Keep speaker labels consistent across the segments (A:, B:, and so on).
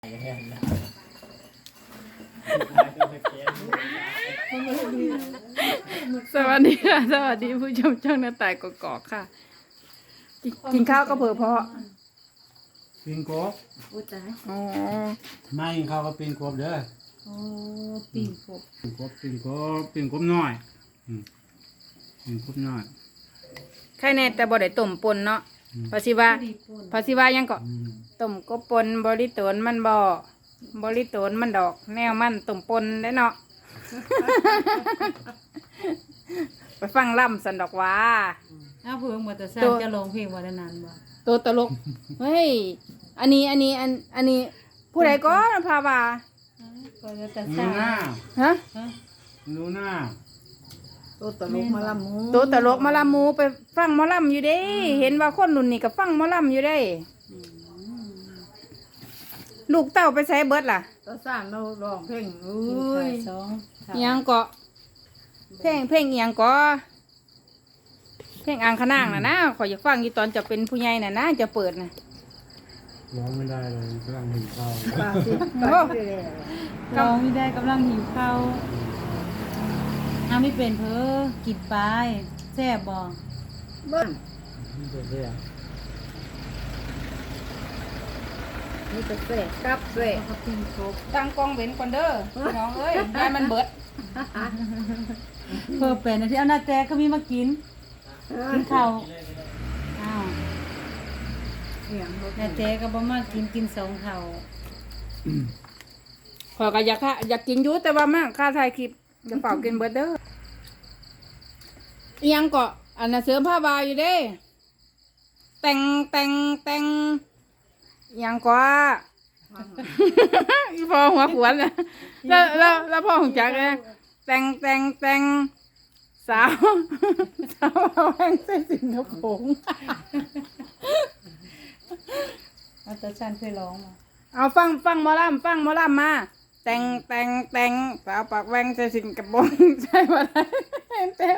A: สวัสดีค่ะสวัสดีผู้ชมช่องหน้าต่ายกอกๆค่ะกินข้าวก็เผื่อเพาะ
B: ปิงกบ
A: อ๋อ
B: ไม่ข้าวก็ปิงกบเด้อ
A: โอ้ปิ่งกบ
B: ปิงกบน้อยปิงกบน้อย
A: ใครแน่แต่บ่ได้ต้มปนเนาะภาษีว่ายังก็ต้มกบปนบริโตนมันบ่บริโตนมันดอกแนวมันต้มปนได้เนาะ ไปฟังล่ำสันดอกว่า
C: เพิ่งมาแต่สร้างจะลงเพลงวันนั้นบ่
A: ตัวตลกเฮ้ยอันนี้ผู้ใดก็พาว่า
C: ก็แต่ส
B: ดู
C: ร้าง
B: หน้า
A: ฮะ
B: ดูหน้า
C: ตัวตลกมาลำมู
A: ตัวตลกมาลำมูไปฟังหมอลำอยู่เด้เห็นว่าคนรุ่นนี้ก็ฟังหมอลำอยู่ได้ลูกเต้าไปใช้เบิดล่ะ
C: ตัวสร้างเราร้องเพลง
A: ยังเกาะเพลงยังเกาะเพลงอ่างขนางนะขออยากฟังอยู่ตอนจะเป็นผู้ใหญ่นะจะเปิดนะ
B: ร้องไม่ได้เลยกำลังหิวข้าว
C: ร้องไม่ได้กำลังหิวข้าวไม่เป็นกินไปแซ่บบ่
B: เบิ้ลนี่จะแซ่บ
C: นี่จะแซ่บกับแซ่บกับปิ่งกบ
A: ตั้งกล้องเว้นก่อนเด้อน้องเอ้ยได้มันเบิด
C: เป็นที่เอาหน้าแจก็มีมากินข้าวอ้าวหน้าแจก็บ่มากิน2เท่า
A: ขอก็อยากกินอยู่แต่ว่ามากค่าถ่ายคลิปจะเป่ากินเบิดเด้อยังเกาะอันน่ะเสริมผ้าบาอยู่เด้แต่งยังกว่าอีพอหัวขวนนะแล้วพ่อของจักเลยแต่งสาวแห่งเส้นสิงคโปร์
C: เอาแต่ฉันเคยร้องมา
A: เอาฟังหมอลำมาแต่งสาวปากแหวงเส้นสิงคโปร์ใช่ไหมเต้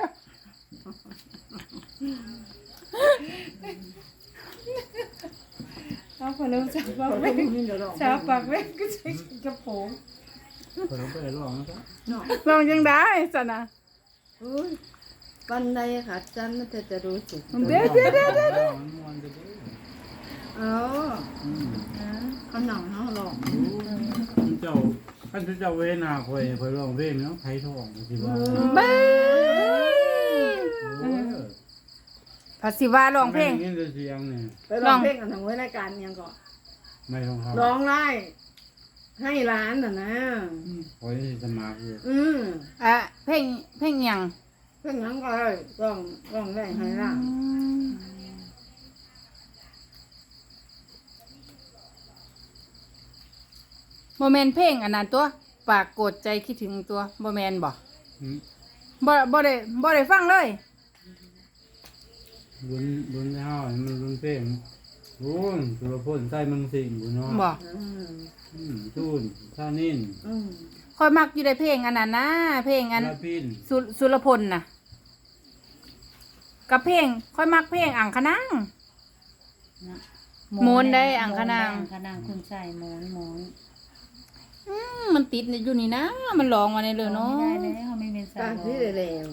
C: เอาพอเริ่มสาวปากแหวงก็ใช้กระโปรง
B: เราไปร้องนะครับ
A: ลองยังได้สันนะ
C: ปันใดค่ะจันมันจะรู้สึก
A: เดี๋ยว
C: เขาหนังเขาหลอก
B: เจ้าท่านเจ้าเวนาคอยร้องเพลงเนาะไผ่ทองสิว่า
A: ภาษีว่าร้องเพลง
C: ไปร้องเพลงกันทางไว้รายการยังก่อน
B: ไม่ร้องครับ
C: ร้องไล่ให้ร้านนะ
B: โอ้ยสมัครอยู่
A: เพลงยัง
C: เพลงยังก็ร้องได้ให้ร้าน
A: โมเมนเพลงอันนั้นตัวปากโกรธใจคิดถึงตัวโมเมนบ่ได้ฟังเลย
B: รุนเฮามันรุนเพลงรุนสุรพลใต้เมืองสิงห์บุญน้อย
A: บ่
B: จูนท่านิน
A: คอยมักอยู่ในเพลงอันนั้นนะเพลงอันสุรพลน่ะกับเพลงคอยมักเพลงอ่างขนางโมนได้อ่างขนาง
C: คุณใส่โมน
A: มันติดอยู่นี่นะมันร้องมาในเลยเนาะ
C: ไม่ได้เลยเขาไม่เป็นสาวที่เร็ว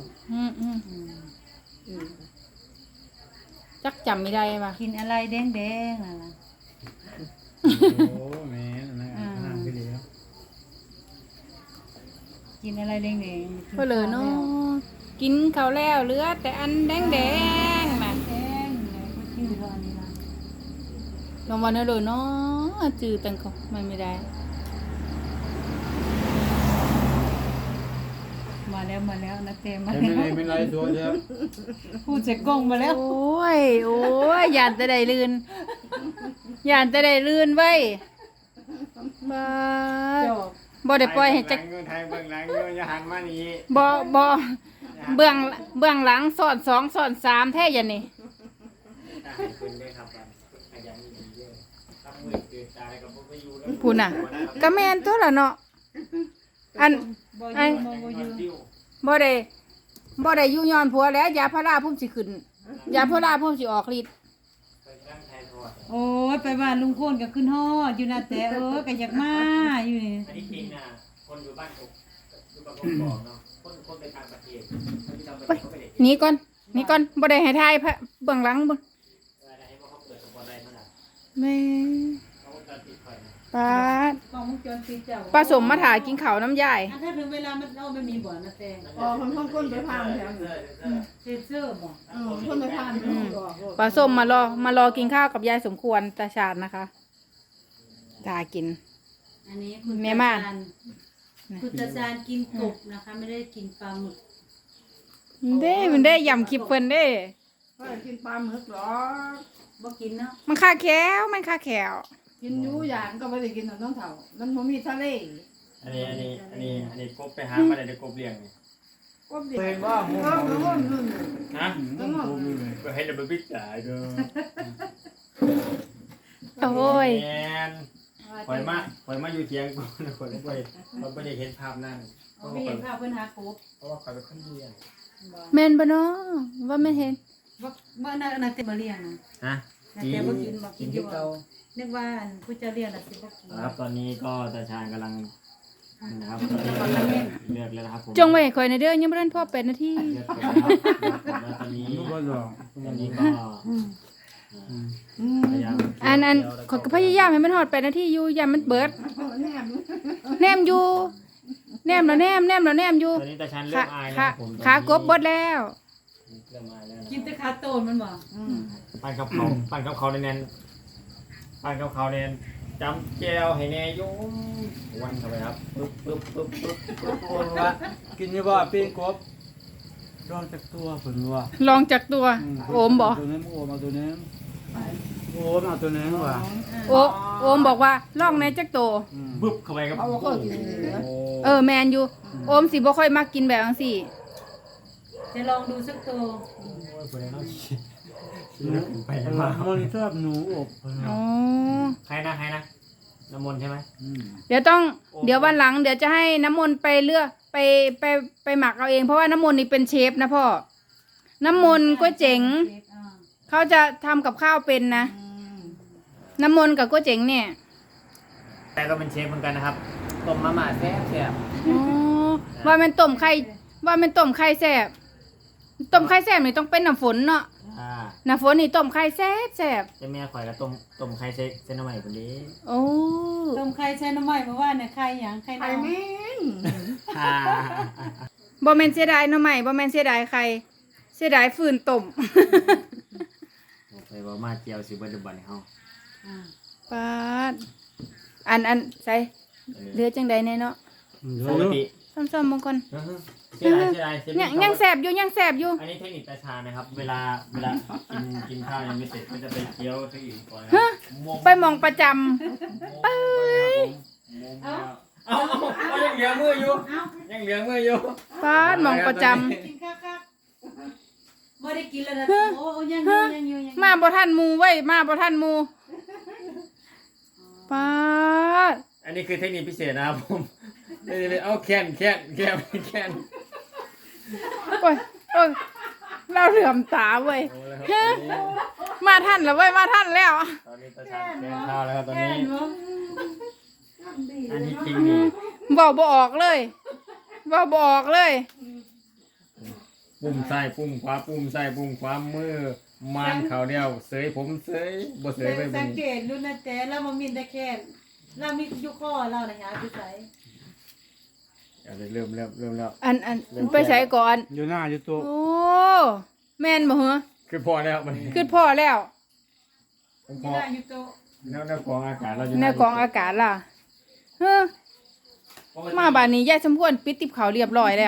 A: จักจำไม่ได้ป่ะ
C: กินอะไรแดงน่ะ
B: โอ้แม่นะไปเลย
C: กินอะไรแดง
A: เพื่อเลยเนาะกินข้าวแล้วเหลือแต่อันแดงมา
C: ชื่อเท่านี้นะ
A: ลองวันนี้เลยเนาะจืดตังเขาไม่ได้
C: มาแล้วนะเต็มมา
B: แล้วไม่ไรตัวเดียว
C: พูดเจ็กกงมาแล้ว
A: โอ้ยยานจะได้ลื่นไว้บ่ได้ปล่อยให้จัก
B: ไทยเบื้องหลังอย่าหันมานี่
A: บ่เบื้องหลังสอน2สอน3แท้ยันนี่พูดน่ะก็แม่นตัวละเนาะอันบ่ได้ยุ่งย้อนผัวแล้วยาพาราพุ่มสิขึ้นยาพาราพุ่มสิออกฤทธิ์
C: โอ้ยไปบ้านลุงโคนก็ขึ้นฮอดอยู่นะแต่ก็อยากมาอยู่นี่
D: อันนี้จริงนะคนอยู่บ้านกอยู่บ้านกอกเนาะคนไปต่างประเทศคนที่ต่างประเทศเขาไม่ได้
A: หนีก่อนหนีก่อนบ่ได้ให้ทายพระเบื้องหลังบ่
D: อะไรให้เขาเปิดสปอนได้เมื่อไหร่
A: แม่
D: เขาก็จะติดคอยนะ
A: ป้าด
C: กล้องวงจรปิดเจ้า
A: ป้าสมมาถ่ายกินข้าวน้ำยาย
C: ถ้าถึงเวลามันเอาไม่มีบ่อนะแต่
E: อ๋อคนไปพามแถวนี้
C: เซนเซอร์บ่
E: คนไปพามไม่ออก
A: ป้าส้มมารอกินข้าวกับยายสมควรตาชาญนะคะตากิน
C: อันนี้คุณ
A: แม่ม่าน
C: คุณตาจานกินกบนะคะ ไม่ได้กินปลาหมึก
A: มันได้ยำคลิปเพิ่นเด้
E: ก็กินปลาหมึกหรอ
C: บ่กินเนาะ
A: มันค่าแควมันค่าแคว
E: กินยูอย่างก็ไม่ได้กินน้องเถ่ามันบ่มีทะเล
D: อันนี้กบไปหามาได้กบเลี้ยงนี่
E: ก็เด็กว่าโง่นู่น
D: ฮะ
B: ๆ
D: ก็ให้เราไปพิจารณาดู
A: โอ้ย
D: แมนคอยมาอยู่เทียงกูนะคนไม่ได้เห็นภาพนั่น
C: เอาไปเห็นภาพเพิ่นหากบ
D: เพราะว่าคอยเป็นคนเลี้ยง
A: แม่นบ่เนาะว่าแม่นเห็น
C: บ่น่าแต่บ่เลี้ยงนะ
D: ฮะ
C: น่าแต่บ่กินบ่กินอยู่บ่นึกว่าผู้เจ้าเลี้ยงน่ะสิบ่กิน
D: ครับตอนนี้ก็ตาชาญกำลังนะครับเลือกแล้วนะครับผม
A: จงไว้ให้ข่อยในเด้อยังบ่ทันพอ8นาที
D: เลือกแล้วนะครับตอนนี้
B: ก็ลอง
D: ก็พยายาม
A: อันข่อยก็พยายามให้มันฮอด8นาทีอยู่อย่ามันเบิด
E: แนม
A: แนมอยู่แนมแล้วแนมอยู่
D: ตอนนี้ตาชาญเริ่มอายนะ
A: ขา
D: ครับผม
A: ขากบเบิดแล้ว
D: เริ่มอายแล้ว
C: กินแต่ขาโตนมันบ่
D: ปั้นกับเขาแน่นปั้นกับเขาแน่นจำแจวให้แน่ยุ่งวันเข้าไปครับปึ๊บ
B: คนว่ากินอยู่บ่ปิ้งกบลองจากตัวเพิ่นว่า
A: ลองจากตัวโอมบ่
B: ตัวนี้โอมเอาตัวนี้โอมเอาตัวนี้ว่ะ
A: โอมบอกว่าลองในจักโต
D: บึ๊บเข้าไปครับ
E: เขาก็กินเหลือ
A: แมนอยู่โอมสิบ่ค่อยมักกินแบบจังซี่
C: จะลองดูสักตัว
D: โอ้ยคนนี้ต้องคิดไป
B: มัน
D: มา
B: ชอบหนูอบเพิ่น
A: อ๋อ
D: ใครนะน้ำมนต์ใช่ไหม
A: เดี๋ยววันหลังเดี๋ยวจะให้น้ำมนต์ไปเลือกไปหมักเอาเองเพราะว่าน้ำมนต์นี่เป็นเชฟนะพ่อน้ำมนต์ก็เจ๋งเขาจะทำกับข้าวเป็นนะน้ำมนต์กับก็เจ๋งเนี่ย
D: แต่ก็เป็นเชฟเหมือนกันนะครับต้มมาม่าแซ่บ
A: อ๋อว่ามันต้มไข่แซ่บต้มไข่แซ่บนี่ต้องเป็นน้ำฝนเนาะน้ำฝนนี่ต้มไข่แซ่บ
D: เจ้าแม่ข่อยก็ต้มไข่เส้นน้ำใหม่คนนี้
A: โอ้
C: ต้มไข่ใช้น้ำมันเพราะว่าเนี่ยไข่หยังไข่
E: ไข่
C: ดาว
E: แม่ง
A: บ่แม่นเสียดายหน่อไม้บ่แม่นเสียดายไข่เสียดายฟืนต้ม
D: ไปว่ามาเจียวสิเบิดบันเฮา
A: ปาดอันใส่เหลือจังใดแน่เนาะ
D: ปกติ
A: ซ้ำๆบางคน
D: เสียดาย
A: ยังแสบอยู่
D: อันนี้เทคนิคตาชานะครับ เวลากินข้าวยังไม่เสร็จก็จะไปเคี้ยวเทคนิคก่อน
A: ไปมองประจำ
D: เอายังเหลือมืออยู่
A: ปาดมองประจ
C: กินคักๆบ่ได้กินแล้วนะโอ้ยังอยู่
A: ำมาบ่ทันหมูเว้ยมาบ่ทันหมูปาด
D: อันนี้คือเทคนิคพิเศษนะครับผมเอาแคน
A: โอ้ยเราเหลื่อมตาเว้ยมาทันแล้วเว้ยมาทันแล้ว
D: ตอนนี้ตาชาแกงข้าวแล้วครับตอนนี้อันนี้จริงนี่
A: เว้าบ่ออกเลย
D: ปุ่มซ้ายปุ่มขวาปุ่มซ้ายปุ่มขวามือมันเขาเดียวเสยผมเสยบ่เสยไป
C: สังเกตดูนะแต่เราบ่มีแต่แค่เรามีอยู่ข้อเราน่ะหาอยู่ไส
D: เริ่มแล้ว
A: อันไปใช้ก่อน
B: อยู่หน้าอยู่ตัว
A: โอ้แม่นบ่เหรอ
D: คือพอแล้วมัน
A: คือพ่อแล้ว
C: มีหน้าอยู่โตะ
D: แนวกองอากาศเราอยู่
A: ในกองอากาศล่ะเฮ้อมาบ้านนี้ยายสมควรปิดติบเขาวเรียบร้อยแล้ว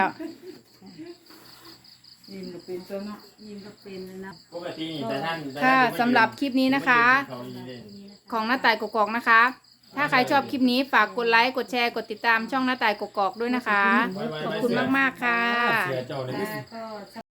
E: ยิ้มเป็นตัวเนาะ
C: ยิ้มก็เป็นนะ
D: ปกตินี่แต่ท่าน
A: ค่ะสำหรับคลิปนี้นะคะ ของหน้าต่ายกกอกนะคะ ถ้าใครชอบคลิปนี้ฝากกดไลค์กดแชร์กดติดตามช่องหน้าต่ายกกอกด้วยนะคะ ขอบคุณมากๆค่ะ
D: เสียเจ้าเลย
C: ก็ส